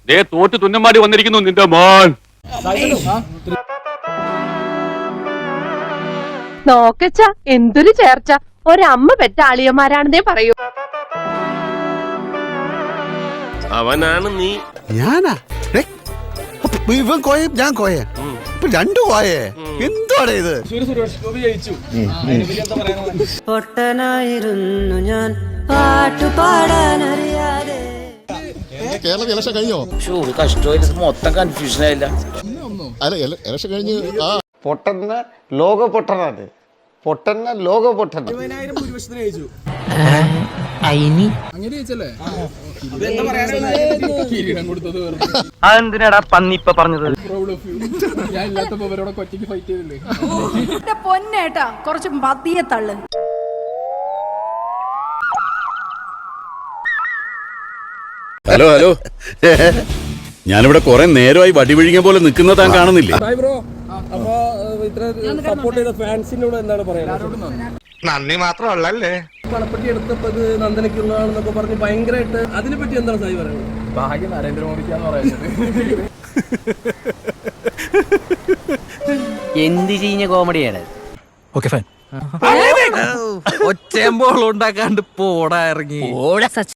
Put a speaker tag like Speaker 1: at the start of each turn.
Speaker 1: തോറ്റ് തുന്നമാടി വന്നിരിക്കുന്നു നിന്റെ മോൻ.
Speaker 2: നോക്കച്ച എന്തൊരു ചേർച്ച, ഒരമ്മ പെറ്റ ആളിയന്മാരാണെന്നേ പറയൂ.
Speaker 3: അവനാണ് നീ.
Speaker 4: ഞാനാ ഇവൻ കോയ ഞാൻ കോയ ഇപ്പൊ രണ്ടു കോയേ എന്താണ് ഇത്?
Speaker 5: പൊട്ടനായിരുന്നു ഞാൻ പാട്ടുപാടാനറിയാതെ.
Speaker 6: കേരള ഇലക്ഷൻ കഴിഞ്ഞോ?
Speaker 7: കഷ്ടമായിട്ട് മൊത്തം കൺഫ്യൂഷൻ ആയില്ല.
Speaker 6: അല്ല ഇലക്ഷൻ കഴിഞ്ഞ്
Speaker 8: പൊട്ടന്ന ലോക പൊട്ടനാണ്, പൊട്ടന്ന ലോക പൊട്ടൻ.
Speaker 7: അതെന്തിനാടാ പന്നി ഇപ്പൊ പറഞ്ഞത്?
Speaker 9: പൊന്നേട്ടാ കുറച്ച് മതിയെ തള്ളു.
Speaker 10: ഹലോ ഹലോ, ഞാനിവിടെ കുറെ നേരമായി വടി വിഴിഞ്ഞ പോലെ നിൽക്കുന്ന താൻ കാണുന്നില്ലേ?
Speaker 8: നന്ദി മാത്രമല്ലേ.
Speaker 7: പണപ്പെട്ടി എടുത്തപ്പോ നന്ദനയ്ക്കുള്ളതാണെന്നൊക്കെ പറഞ്ഞ് ഭയങ്കരമായിട്ട് അതിനെപ്പറ്റി എന്താണ് സായി പറയുന്നത്? ഭാഗ്യം നരേന്ദ്രമോദിക്കാന്ന് പറയുന്നത്.
Speaker 5: എന്ത് ചെയ്യുന്ന കോമഡിയാണ്.
Speaker 7: ഒച്ചയമ്പോൾ ഉണ്ടാക്കാണ്ട് പോടാ ഇറങ്ങി.